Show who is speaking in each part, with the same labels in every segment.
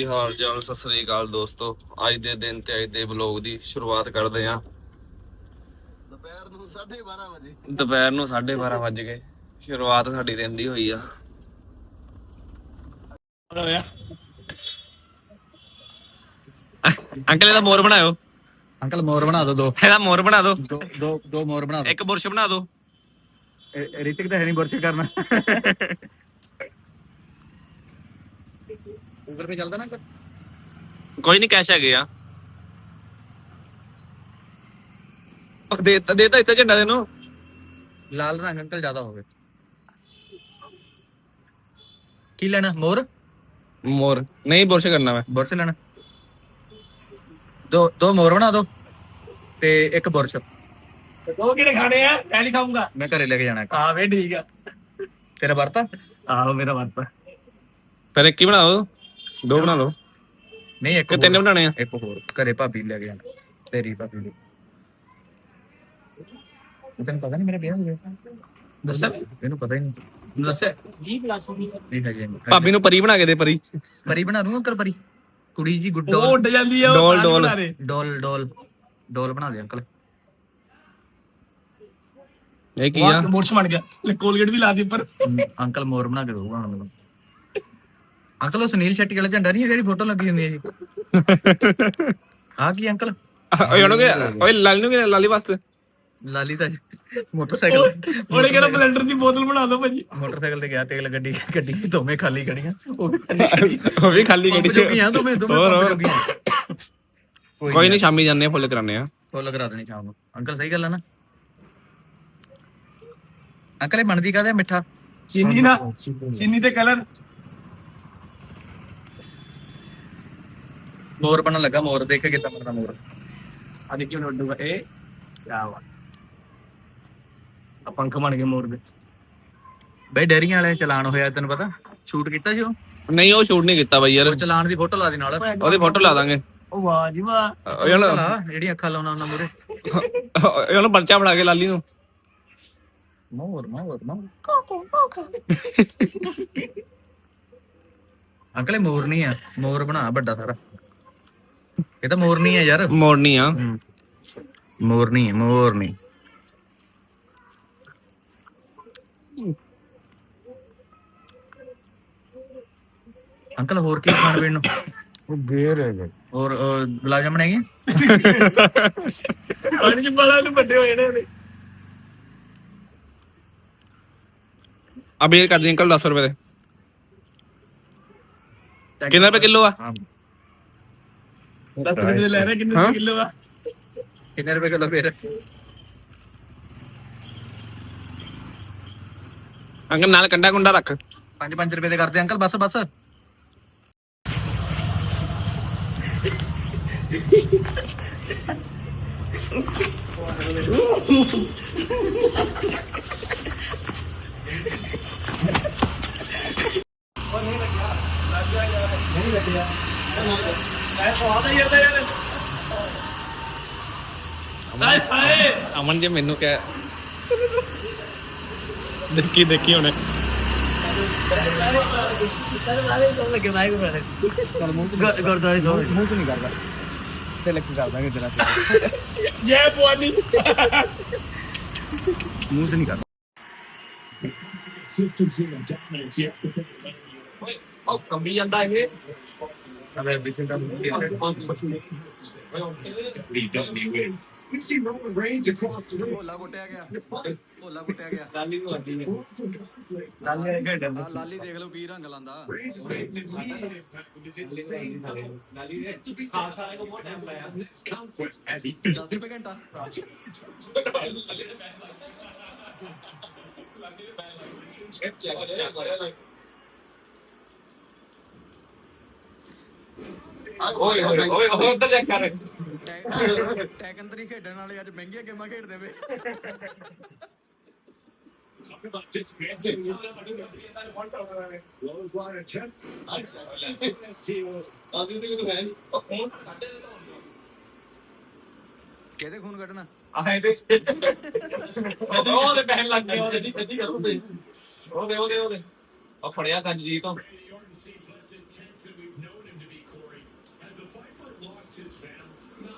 Speaker 1: ਹਾਲ ਚਾਲ? ਸਤਿ ਸ੍ਰੀ ਅਕਾਲ ਦੋਸਤੋ। ਅੱਜ ਦੇ ਦਿਨ ਤੇ ਅੱਜ ਦੇ ਵਲੌਗ ਦੀ ਸ਼ੁਰੂਆਤ ਕਰਦੇ ਆਂ। ਦੁਪਹਿਰ ਨੂੰ 12:30 ਵਜ ਗਏ। ਸ਼ੁਰੂਆਤ ਸਾਡੀ ਦਿਨ ਦੀ ਹੋਈ ਆ। ਅੰਕਲ ਇਹਦਾ ਮੋਰ ਬਣਾਇਓ।
Speaker 2: ਅੰਕਲ ਮੋਰ ਬਣਾ ਦੋ।
Speaker 1: ਇਹਦਾ ਮੋਰ ਬਣਾ ਦੋ।
Speaker 2: ਦੋ ਮੋਰ ਬਣਾ ਦੋ।
Speaker 1: ਇੱਕ ਬੁਰਸ਼ ਬਣਾ ਦੋ।
Speaker 2: ਰਿਤਿਕ ਤਾਂ ਹੈ ਨਹੀਂ ਬੁਰਸ਼ ਕਰਨਾ। ਗੂਗਲ ਪੇ ਚੱਲਦਾ ਨਾ ਅੰਕਲ?
Speaker 1: ਕੋਈ ਨਹੀਂ, ਕੈਸ਼ ਹੈਗੇ ਆ। ਦੇਤਾ ਇੱਥੇ ਝੰਡਾ ਤੈਨੂੰ।
Speaker 2: ਲਾਲ ਰੰਗ ਅੰਕਲ ਜ਼ਿਆਦਾ ਹੋਵੇ। ਕੀ ਲੈਣਾ? ਮੋਰ
Speaker 1: ਨਹੀਂ, ਬੁਰਸ਼ ਕਰਨਾ ਮੈਂ।
Speaker 2: ਬੁਰਸ਼ ਲੈਣਾ। ਦੋ ਮੋਰ ਬਣਾ ਦੋ ਤੇ ਇੱਕ ਬੁਰਸ਼।
Speaker 3: ਦੋ ਕਿਹੜੇ ਖਾਣੇ ਆ? ਮੈਂ ਨਹੀਂ ਖਾਊਂਗਾ।
Speaker 2: ਮੈਂ ਘਰੇ ਲੈ ਕੇ ਜਾਣਾ।
Speaker 3: ਹਾਂ ਵੇ ਠੀਕ ਆ।
Speaker 2: ਤੇਰਾ ਵਰਤਾ?
Speaker 3: ਆਹੋ ਮੇਰਾ ਵਰਤਾ।
Speaker 1: ਫਿਰ ਇੱਕ ਹੀ ਬਣਾਓ, ਦੋ ਬਣਾ ਲਓ।
Speaker 2: ਨਹੀਂ ਇੱਕ
Speaker 1: ਤਿੰਨ ਬਣਾਣੇ ਆ।
Speaker 2: ਇੱਕ ਹੋਰ ਘਰੇ ਭਾਬੀ ਲੈ ਕੇ ਜਾਣਾ। ਤੇਰੀ ਭਾਬੀ ਲਈ। ਤੈਨੂੰ ਪਤਾ ਨਹੀਂ ਮੇਰਾ ਵਿਆਹ ਹੋ ਗਿਆ?
Speaker 3: ਦੱਸਿਆ
Speaker 2: ਇਹਨੂੰ ਪਤਾ ਹੀ ਨਹੀਂ।
Speaker 3: ਦੱਸਿਆ 20 ਪਲੱਸ
Speaker 2: ਨਹੀਂ ਹੈਗੇ।
Speaker 1: ਭਾਬੀ ਨੂੰ ਪਰੀ ਬਣਾ ਕੇ ਦੇ। ਪਰੀ
Speaker 2: ਬਣਾ ਦੂੰਗਾ ਅੰਕਲ। ਪਰੀ ਕੁੜੀ ਜੀ ਗੁੱਡ
Speaker 3: ਉਹ ਉੱਡ ਜਾਂਦੀ ਆ।
Speaker 2: ਡੋਲ ਬਣਾ ਦੇ ਅੰਕਲ।
Speaker 1: ਇਹ ਕੀ ਆ?
Speaker 3: ਮੋਰਸ਼ ਬਣ ਗਿਆ। ਕੋਲਗੇਟ ਵੀ ਲਾ ਦੇ ਉੱਪਰ।
Speaker 2: ਅੰਕਲ ਮੋਰ ਬਣਾ ਕੇ ਦਊਗਾ ਹੁਣ ਮੈਨੂੰ। ਅੰਕਲ ਉਹ ਸੁਨੀਲ ਸ਼ੈਟੀ ਵਾਲਾ ਝੰਡਾ ਨਹੀਂ ਹੈ ਜਿਹੜੀ ਫੋਟੋ ਲੱਗੀ ਹੁੰਦੀ ਹੈ ਜੀ? ਆ ਕੀ ਅੰਕਲ?
Speaker 1: ਓਏ ਲਾਲੀ ਵਾਸਤੇ
Speaker 2: ਲਾਲੀ ਤਾਂ ਮੋਟਰਸਾਈਕਲ
Speaker 3: ਉਹਨੇ ਕਿਹੜਾ ਬਲੈਂਡਰ ਦੀ ਬੋਤਲ ਬਣਾ ਦੋ ਭਾਜੀ।
Speaker 2: ਮੋਟਰਸਾਈਕਲ ਤੇ ਗਿਆ ਤੇਲ ਗੱਡੀ ਦੋਵੇਂ ਖਾਲੀ ਖੜੀਆਂ।
Speaker 1: ਉਹ ਵੀ ਖਾਲੀ ਗੱਡੀ
Speaker 2: ਆ ਦੋਵੇਂ
Speaker 1: ਕੋਈ ਨਹੀਂ, ਸ਼ਾਮੀ ਜਾਂਦੇ ਆ, ਫੁੱਲ ਕਰਾਣੇ ਆ।
Speaker 2: ਫੁੱਲ ਕਰਾ ਦੇਣੀ ਸ਼ਾਮ ਨੂੰ ਅੰਕਲ। ਸਹੀ ਗੱਲ ਹੈ ਨਾ ਅੰਕਲ? ਇਹ ਬਣਦੀ ਕਾਹਦਾ ਮਿੱਠਾ?
Speaker 3: ਚੀਨੀ ਤੇ ਕਲਰ।
Speaker 2: ਮੋਰ ਬਣਨ ਲੱਗਾ। ਮੋਰ ਦੇਖ ਕੇ ਕਿੱਦਾਂ ਬਣਦਾ ਮੋਰ।
Speaker 3: ਆ ਦੇਖੀ ਹੁਣ ਉੱਡੂਗਾ ਇਹ। ਕਿਆ ਵਾ ਆ ਪੰਖ ਬਣ ਗਏ ਮੋਰ ਦੇ।
Speaker 2: ਬਈ ਡੈਰੀਆਂ ਵਾਲੇ ਚਲਾਨ ਹੋਇਆ, ਤੈਨੂੰ ਪਤਾ? ਸ਼ੂਟ ਕੀਤਾ ਸੀ ਉਹ?
Speaker 1: ਨਹੀਂ, ਉਹ ਸ਼ੂਟ ਨਹੀਂ ਕੀਤਾ ਬਾਈ ਯਾਰ।
Speaker 2: ਚਲਾਨ ਦੀ ਫੋਟੋ ਲਾ ਦੇ ਨਾਲ।
Speaker 1: ਉਹਦੀ ਫੋਟੋ ਲਾ ਦਾਂਗੇ।
Speaker 3: ਉਹ ਵਾਹ ਜੀ ਵਾਹ।
Speaker 2: ਜਿਹੜੀਆਂ ਅੱਖਾਂ ਲਾਉਣਾ ਉਹਨਾਂ ਮੂਰੇ।
Speaker 1: ਉਹਨੂੰ ਪਰਚਾ ਬਣਾ ਕੇ ਲਾਲੀ ਨੂੰ।
Speaker 2: ਮੋਰ ਅੰਕਲ ਇਹ ਮੋਰ ਨਹੀਂ ਆ। ਮੋਰ ਬਣਾ ਵੱਡਾ ਸਾਰਾ। ਇਹ ਤਾਂ ਮੋਰ ਨਹੀਂ ਆ ਯਾਰ।
Speaker 1: ਮੋੜਨੀ ਆ।
Speaker 2: ਮੋਰ ਨਹੀਂ। ਅੰਕਲ ਹੋਰ ਕੀ ਖਾਣ ਪੀਣ ਨੂੰ? ਉਹ ਗੇਰ ਹੈ। ਹੋਰ ਗੁਲਾਬ ਜਾਮਣ ਹੈਗੇ?
Speaker 3: ਪਾਣੀ ਚ ਬਾਲਾਂ ਨੂੰ ਵੱਡੇ ਹੋਏ ਨੇ ਉਹਦੇ।
Speaker 1: ਅਬੇਰ ਕਰ ਦੇ ਅੰਕਲ 10 ਰੁਪਏ ਦੇ। ਕਿੰਨੇ ਰੁਪਏ ਕਿਲੋ ਆ?
Speaker 3: 10 ਰੁਪਏ ਦੇ ਲੈ ਰਹੇ। ਕਿੰਨੇ ਕਿਲੋ ਆ?
Speaker 2: ਕਿੰਨੇ ਰੁਪਏ ਕਿਲੋ ਫੇਰ?
Speaker 1: ਅੰਕਲ ਨਾਲ ਕੰਡਾ ਕੁੰਡਾ ਰੱਖ।
Speaker 2: 5 ਰੁਪਏ ਦੇ ਕਰਦੇ ਅੰਕਲ। ਬਸ
Speaker 1: ਅਮਨ ਜੀ ਮੈਨੂੰ ਕਹਿ ਦੇਖੀ ਹੁਣ।
Speaker 2: ਗੁਰਦੁਆਰੇ ਮੂੰਹ ਤੋਂ ਨਹੀਂ ਕਰਦਾ ਤੇ ਲੱਗੀ ਕਰ ਦਾਂਗੇ ਤੇਰਾ।
Speaker 3: ਜੈ ਭਵਾਨੀ।
Speaker 2: ਮੂੰਹ ਤੋਂ ਨਹੀਂ ਕਰਦਾ।
Speaker 3: ਉਹ ਕੰਬੀ ਜਾਂਦਾ ਇਹ।
Speaker 4: ਭੋਲਾ ਕੁੱਟਿਆ ਗਿਆ। ਲਾਲੀ ਨੂੰ ਆਦੀ ਹੈ। ਲਾਲੀ ਦੇਖ ਲਓ ਕੀ ਰੰਗ ਲਾਂਦਾ। ਲਾਲੀ ਨੇ ਖਾਸ ਵਾਲੇ ਕੋ ਬਹੁਤ ਟਾਈਮ ਲਾਇਆ। 10 ਰੁਪਏ ਘੰਟਾ।
Speaker 3: ਓਏ ਉੱਧਰ ਜਾ ਕਰ।
Speaker 4: ਟੈਕਨ 3 ਖੇਡਣ ਵਾਲੇ ਅੱਜ ਮਹਿੰਗੀਆਂ ਗੇਮਾਂ ਖੇਡਦੇ ਵੇ। ਕਿਹਦੇ ਖੂਨ ਕੱਢਣਾ?
Speaker 3: ਉਹਦੇ ਪੈਣ ਲੱਗ ਗਏ। ਉਹਦੇ ਉਹ ਫੜਿਆ ਕੰਜੀ ਤੋਂ।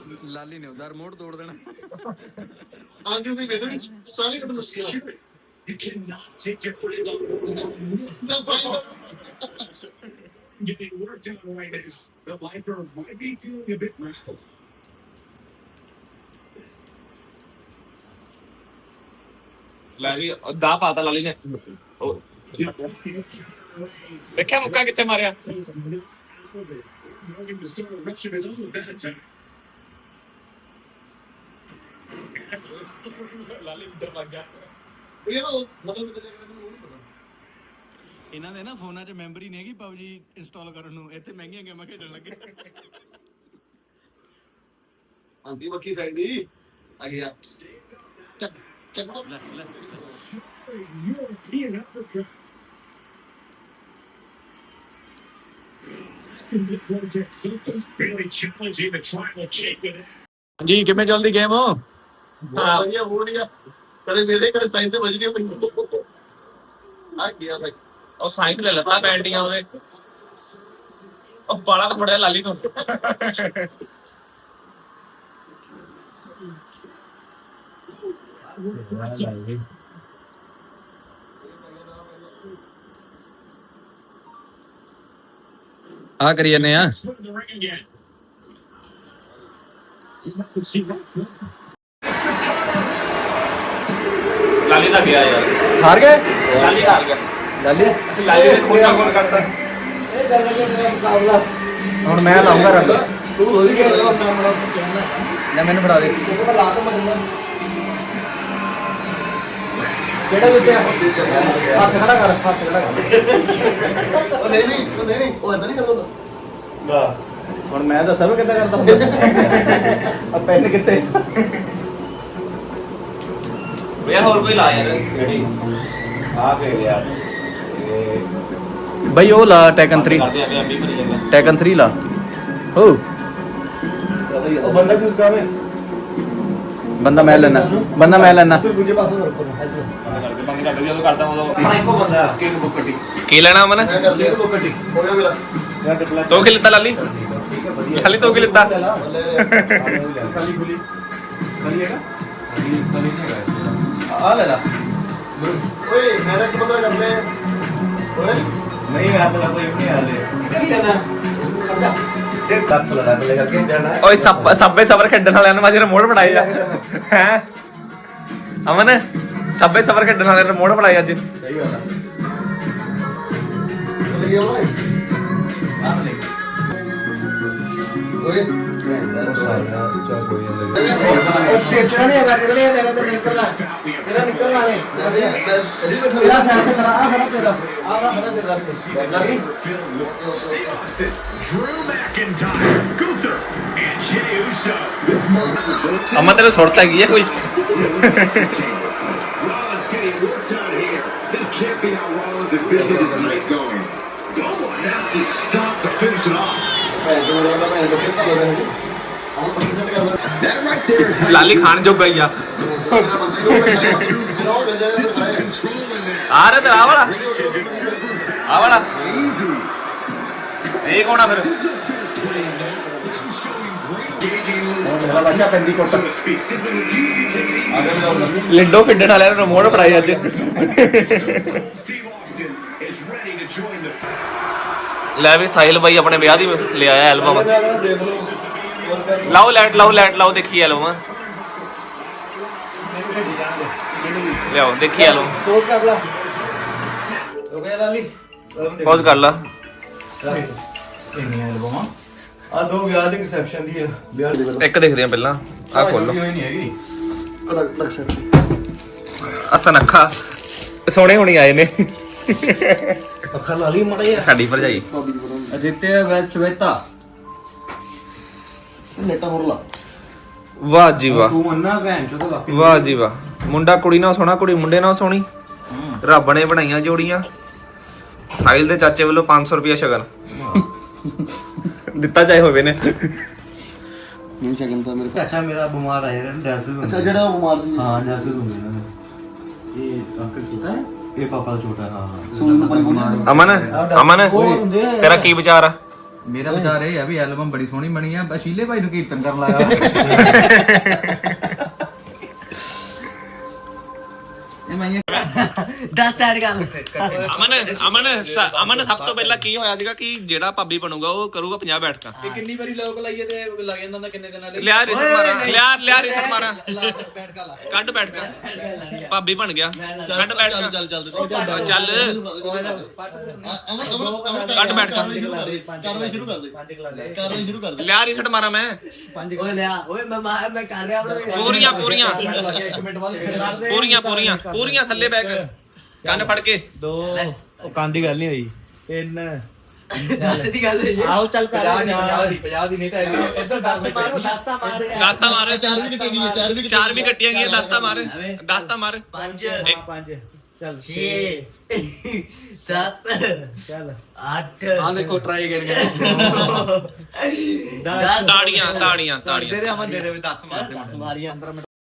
Speaker 2: ਲਾਲੀ ਨੇ ਉਹਦਾ ਰਿਮੋਟ ਤੋੜ ਦੇਣਾ।
Speaker 5: ਆਂਦੀ ਉਹਦੀ ਵੇਦੇ ਵਿੱਚ ਸਾਰੇ ਕੱਢ ਦੱਸਿਆ
Speaker 6: You cannot take your foot off.
Speaker 5: ਦੱਸ ਭਾਈ
Speaker 6: Getting work done right now. The lifeguard might be feeling a bit rattled.
Speaker 3: ਲਾਲੀ ਦਾ ਪਾਤਾ ਲਾਲੀ ਨੇ ਉਹ ਦੇਖਿਆ ਮੁੱਕਾ ਕਿੱਥੇ ਮਾਰਿਆ
Speaker 6: Knowing the start of Russia is all that time.
Speaker 3: ਲਾਲੀ ਅੰਦਰ ਲੱਗ ਗਿਆ
Speaker 5: ਇਹ ਨਾ ਮਤਲਬ ਕਿਤੇ ਜਾ ਕੇ ਮੈਨੂੰ ਉਹ ਨਹੀਂ ਪਤਾ
Speaker 2: ਇਹਨਾਂ ਦੇ ਨਾ ਫੋਨਾਂ 'ਚ ਮੈਮਰੀ ਨਹੀਂ ਹੈਗੀ PUBG ਇੰਸਟਾਲ ਕਰਨ ਨੂੰ, ਇੱਥੇ ਮਹਿੰਗੀਆਂ ਗੇਮਾਂ ਖੇਡਣ ਲੱਗੇ।
Speaker 5: ਆਂਦੀ ਬੱਕੀ ਸਾਈਡ ਦੀ ਆ ਗਿਆ ਚੱਕ ਚੱਕ
Speaker 2: ਲੈ ਲੈ
Speaker 6: European Africa. This one gets something really challenging to try to shake it.
Speaker 3: ਜੀ ਕਿਵੇਂ ਚੱਲਦੀ ਗੇਮ
Speaker 5: ਹਾਂ ਵਧੀਆ ਹੋ ਰਿਹਾ ਕਦੇ ਮੇਰੇ ਕਦੇ ਸਾਈਡ ਤੇ ਵੱਜ ਗਿਆ ਮੈਨੂੰ ਆ ਗਿਆ ਭਾਈ
Speaker 3: ਉਹ ਸਾਈਕਲ ਲੈ ਲੱਤਾ ਪੈਂਟੀਆਂ ਉਹਦੇ ਉਹ ਬਾਲਾ ਤਾਂ ਫੜਿਆ ਲਾਲੀ ਤੋਂ
Speaker 2: ਆ ਕਰੀ ਜਾਂਦੇ ਆ।
Speaker 6: Put in the ring again. You have to see that.
Speaker 3: ਲਾਲੀ ਦਾ ਗਿਆ ਯਾਰ
Speaker 2: ਹਾਰ ਗਏ
Speaker 3: ਲਾਲੀ ਹਾਰ ਗਿਆ
Speaker 2: ਲਾਲੀ।
Speaker 3: ਲਾਲੀ ਨੇ ਖੋਜਾ ਕੋਲ ਕਰਤਾ
Speaker 2: ਹੁਣ ਮੈਂ ਲਾਉਂਗਾ ਰੰਗ।
Speaker 5: ਤੂੰ ਹੋ ਗਿਆ
Speaker 2: ਲੈ ਮੈਨੂੰ ਫੜਾ ਦੇ। ਕਿਹੜਾ ਜਿੱਤਿਆ? ਹੱਥ ਖੜਾ ਕਰ, ਹੱਥ ਖੜਾ ਕਰ।
Speaker 5: ਉਹ ਨਹੀਂ ਉਹ ਇਦਾਂ ਨਹੀਂ ਕਰਦਾ
Speaker 2: ਹੁਣ ਮੈਂ ਦੱਸਾਂ ਵੀ ਕਿੱਦਾਂ ਕਰਦਾ ਹੁੰਦਾ। ਆ ਪੈਨ ਕਿੱਥੇ?
Speaker 3: ਭਈਆ ਹੋਰ ਕੋਈ ਲਾ ਯਾਰ ਜਿਹੜੀ
Speaker 4: ਆ ਕੇ ਯਾਰ
Speaker 2: ਬਈ ਉਹ ਲਾ ਟੈਕਨ 3
Speaker 3: ਕਰਦੇ ਆ ਵੀ ਐਮਬੀ ਭਰੀ ਜਾਂਦਾ
Speaker 2: ਟੈਕਨ 3 ਲਾ। ਹੋ
Speaker 4: ਉਹ ਬੰਦਾ ਕਿਸ ਕੰਮ ਹੈ
Speaker 2: ਬੰਦਾ ਮੈਂ ਲੈਣਾ
Speaker 4: ਤੂੰ ਦੂਜੇ ਪਾਸੇ ਰੁਕ
Speaker 3: ਕਰਦੇ ਬੰਦ ਕਰਦੇ ਜਦੋਂ ਕਰਦਾ ਉਦੋਂ
Speaker 4: ਆਪਣਾ ਇੱਕੋ ਬੰਦਾ ਕਿੰਗ ਬੁੱਕਟੀ
Speaker 3: ਕੀ ਲੈਣਾ ਅਮਨ
Speaker 5: ਮੈਂ ਕਰ ਲਿਆ
Speaker 4: ਬੁੱਕਟੀ
Speaker 5: ਹੋ ਗਿਆ ਮੇਰਾ
Speaker 4: ਯਾਰ ਟਿਪਲਾ
Speaker 3: ਤੋ ਕੀ ਲਿੱਤਾ ਲਾਲੀ ਖਾਲੀ ਤੋ ਕੀ ਲਿੱਤਾ
Speaker 5: ਲੈ
Speaker 4: ਖਾਲੀ ਖੁਲੀ ਖਾਲੀ ਹੈਗਾ ਖਾਲੀ ਨਹੀਂ ਹੈਗਾ
Speaker 2: ਆ ਲੈ ਲਾ।
Speaker 5: ਓਏ ਮੇਰਾ ਕੀ ਪਤਾ ਕਰਦੇ ਓਏ
Speaker 4: ਨਹੀਂ ਯਾਰ ਤੇਰਾ ਕੋਈ ਨਹੀਂ ਆ ਰਿਹਾ ਕੀ ਕਰਨਾ ਤੇ ਕੱਟ ਲਗਾ ਕੇ ਲੈ ਕੇ ਜਾਣਾ
Speaker 3: ਓਏ ਸੱਬੇ ਸਬਰ ਖੇਡਣ ਵਾਲਿਆਂ ਨੂੰ ਮਾਜੇ ਰਿਮੋਟ ਫੜਾਈ ਜਾ ਹੈ ਅਮਨ ਸੱਬੇ ਸਬਰ ਖੇਡਣ ਵਾਲਿਆਂ ਨੂੰ ਰਿਮੋਟ ਫੜਾਈ ਅੱਜ
Speaker 2: ਸਹੀ ਗੱਲ ਆ।
Speaker 5: ਲੈ ਗਿਆ ਓਏ
Speaker 2: ਆ ਲੈ
Speaker 5: ਓਏ
Speaker 4: ਉਹ ਸ਼ੇਟਾ ਨਹੀਂ ਹੈਗਾ ਤੇਰੇ ਤੇਰਾ ਤੇ ਨਿਕਲਣਾ ਤੇਰਾ ਨਿਕਲਣਾ ਹੈ ਤੇਰਾ ਸਾਥ ਕਰਾ ਆ ਖੜਾ ਤੇਰਾ ਆ ਖੜਾ ਤੇਰਾ ਲੱਗੀ
Speaker 6: Drew McIntyre, Gunther, and Jey Uso. This month
Speaker 3: ਅਮਨ ਤੇਰੇ ਸੁਰਤ ਹੈਗੀ ਆ ਕੋਈ
Speaker 6: Rollins getting work done here. This can't be how Rollins is busy this night going. Oh, a nasty stop to finish it off.
Speaker 5: ਭੈਣ ਚੋਦ ਵਾਲਾ ਭੈਣ ਚੋਦ ਕਿੱਥੇ ਲੱਗਾ ਹੈ ਆਹ ਪੱਕੀ ਸੈੱਟ ਕਰਦਾ
Speaker 6: That right there is how
Speaker 3: ਲਾਲੀ ਖਾਣ ਜੋਗਾ ਹੀ ਆ
Speaker 5: ਤੇਰਾ ਬੰਦਾ ਹੀ ਉਹ ਜਨਾਬ ਗੰਜਾ
Speaker 6: you
Speaker 5: ਨੇ
Speaker 6: some
Speaker 5: ਬਣਾਇਆ
Speaker 6: control in there.
Speaker 3: ਆ ਰਿਹਾ ਤੇ ਆ ਵਾਲਾ ਆ ਵਾਲਾ
Speaker 6: Easy.
Speaker 3: ਇਹ ਕੌਣ ਆ ਫਿਰ
Speaker 6: There's no fair play in that. He's showing great engaging a little
Speaker 4: ਮੇਰਾ ਬੱਚਾ ਪੈਂਦੀ ਕੋਟ
Speaker 6: so to speak. Simply refusing to take it easy.
Speaker 3: ਲਿੰਡੋ ਖੇਡਣ ਵਾਲਿਆਂ ਨੂੰ ਰਿਮੋਟ ਫੜਾਈ ਅੱਜ
Speaker 6: Steve Austin is ready to join the
Speaker 3: ਲੈ ਵੀ ਸਾਹਿਲ ਬਾਈ ਆਪਣੇ ਵਿਆਹ ਦੀ ਲੈ ਆਇਆ ਐਲਬਮ
Speaker 4: ਦੇਖ ਲਓ
Speaker 3: ਲਾਓ ਲਾਓ ਦੇਖੀ ਐਲਬਮ ਲਿਆਓ ਦੇਖੀ ਐਲਬਮ
Speaker 4: ਕੋਟ ਕਰ ਲਾ ਹੋ ਗਿਆ ਲਾਲੀ
Speaker 3: ਪੌਜ਼ ਕਰ ਲਾ
Speaker 4: ਇੰਨੀ ਐਲਬਮ ਆ ਦੋ ਵਿਆਹ ਦੀ ਰਿਸੈਪਸ਼ਨ ਦੀ ਵਿਆਹ ਦੀ
Speaker 3: ਇੱਕ ਦੇਖਦੇ ਆ ਪਹਿਲਾਂ ਆ ਖੋਲੋ
Speaker 4: ਨਹੀਂ ਹੈਗੀ
Speaker 5: ਅਲੱਗ ਸੈੱਟ
Speaker 3: ਅਸਨ ਅੱਖਾਂ ਸੋਹਣੇ ਹੋਣੀ ਆਏ ਨੇ
Speaker 4: ਅੱਖਾਂ ਲਾਲੀ ਮੜੇ
Speaker 3: ਸਾਡੀ ਭਰਜਾਈ
Speaker 5: ਭਾਬੀ ਦੀ ਬਣਾ
Speaker 2: ਅਜਿੱਤਿਆ ਵੈਦ ਸ਼ਵੇਤਾ।
Speaker 5: ਨੇਟਾ ਹੋਰ ਲਾ
Speaker 3: ਵਾਹ ਜੀ ਵਾਹ
Speaker 4: ਤੂੰ ਮੰਨਾ ਭੈਣ ਚੋਦ ਵਾਕਈ
Speaker 3: ਵਾਹ ਜੀ ਵਾਹ ਮੁੰਡਾ ਕੁੜੀ ਨਾਲ ਸੋਹਣਾ ਕੁੜੀ ਮੁੰਡੇ ਨਾਲ ਸੋਹਣੀ ਰੱਬ ਨੇ ਬਣਾਈਆਂ ਜੋੜੀਆਂ ਸਾਹਿਲ ਦੇ ਚਾਚੇ ਵੱਲੋਂ 500 ਰੁਪਿਆ ਸ਼ਗਨ ਦਿੱਤਾ ਚਾਹੇ ਹੋਵੇ ਨੇ
Speaker 5: ਨਹੀਂ ਸ਼ਗਨ ਤਾਂ ਮੇਰੇ
Speaker 4: ਅੱਛਾ ਮੇਰਾ ਬਿਮਾਰ ਆ ਯਾਰ ਡਾਂਸਸ
Speaker 5: ਅੱਛਾ ਜਿਹੜਾ ਉਹ ਬਿਮਾਰ ਸੀ
Speaker 4: ਹਾਂ ਡਾਂਸਸ ਹੁੰਦੇ ਨੇ ਇਹ ਅੰਕਲ ਛੋਟਾ ਹੈ ਇਹ ਪਾਪਾ ਦਾ ਛੋਟਾ ਹਾਂ
Speaker 5: ਸੂਲ ਤੋਂ ਪਾਣੀ ਬੋਲਣਾ
Speaker 3: ਅਮਨ
Speaker 4: ਉਹ ਹੁੰਦੇ ਆ।
Speaker 3: ਤੇਰਾ ਕੀ ਵਿਚਾਰ ਆ
Speaker 2: ਮੇਰਾ ਵਿਚਾਰ ਇਹ ਆ ਵੀ ਐਲਬਮ ਬੜੀ ਸੋਹਣੀ ਬਣੀ ਆ, ਸ਼ੀਲੇ ਭਾਈ ਨੂੰ ਕੀਰਤਨ ਕਰਨ ਲਾਇਆ ਇਹ ਮੈਂ
Speaker 4: ਦੱਸ ਐਡ ਕਰ
Speaker 1: ਅਮਨ ਸਭ ਤੋਂ ਪਹਿਲਾਂ ਕੀ ਹੋਇਆ ਸੀਗਾ ਕਿ ਜਿਹੜਾ ਭਾਬੀ ਬਣੂਗਾ ਉਹ ਕਰੂਗਾ 50 ਬੈਠਕਾਂ।
Speaker 2: ਤੇ ਕਿੰਨੀ ਵਾਰੀ ਲੋਕ ਲਾਈਏ ਤੇ ਲੱਗ ਜਾਂਦਾ ਹੁੰਦਾ ਕਿੰਨੇ ਦਿਨਾਂ ਲਈ।
Speaker 1: ਲਿਆ ਰਿਸਟ ਮਾਰਾ, ਲਿਆ ਰਿਸਟ ਮਾਰਾ,
Speaker 2: ਬੈਠ ਕਾ ਲਾ
Speaker 1: ਕੱਢ ਬੈਠਕਾਂ। ਭਾਬੀ ਬਣ ਗਿਆ, ਕੱਢ ਬੈਠਕਾਂ, ਚੱਲ ਕੱਢ ਬੈਠਕਾਂ, ਲਿਆ ਰਿਸਟ ਮਾਰਾ ਮੈਂ।
Speaker 4: ਓਏ ਲਿਆ ਓਏ ਮੈਂ ਕਰ ਰਿਹਾ
Speaker 1: ਪੂਰੀਆਂ
Speaker 2: ਇੱਕ ਮਿੰਟ ਬਾਅਦ
Speaker 1: ਪੂਰੀਆਂ ਥੱਲੇ ਬੈਕ ਕੰਨ ਫੜ ਕੇ।
Speaker 7: 2 ਉਹ ਕੰਨ ਦੀ ਗੱਲ ਨਹੀਂ ਹੋਈ 3
Speaker 4: ਦੱਸ ਦੀ ਗੱਲ ਹੈ
Speaker 7: ਆਓ ਚੱਲ ਕਰ
Speaker 2: 50 ਦੀ ਨਹੀਂ ਤਾਂ ਇੱਧਰ 10 ਮਾਰੋ 10 ਤਾਂ ਮਾਰ
Speaker 1: ਦਸਤਾ ਮਾਰ,
Speaker 5: 4 ਵੀ ਕੱਟੀ ਗਈ
Speaker 1: 4 ਵੀ ਕੱਟੀਆਂ ਗਈਆਂ, ਦਸਤਾ ਮਾਰ, ਦਸਤਾ ਮਾਰ।
Speaker 4: 5
Speaker 7: 5 ਚੱਲ
Speaker 4: 6 7
Speaker 7: ਚੱਲ
Speaker 4: 8
Speaker 2: ਆ ਦੇਖੋ ਟਰਾਈ ਕਰਕੇ
Speaker 4: 10
Speaker 1: ਤਾੜੀਆਂ ਤਾੜੀਆਂ ਤਾੜੀਆਂ।
Speaker 2: ਤੇਰੇ ਅਮਨ ਦੇ 10 ਮਾਰ
Speaker 4: ਮਾਰੀਆਂ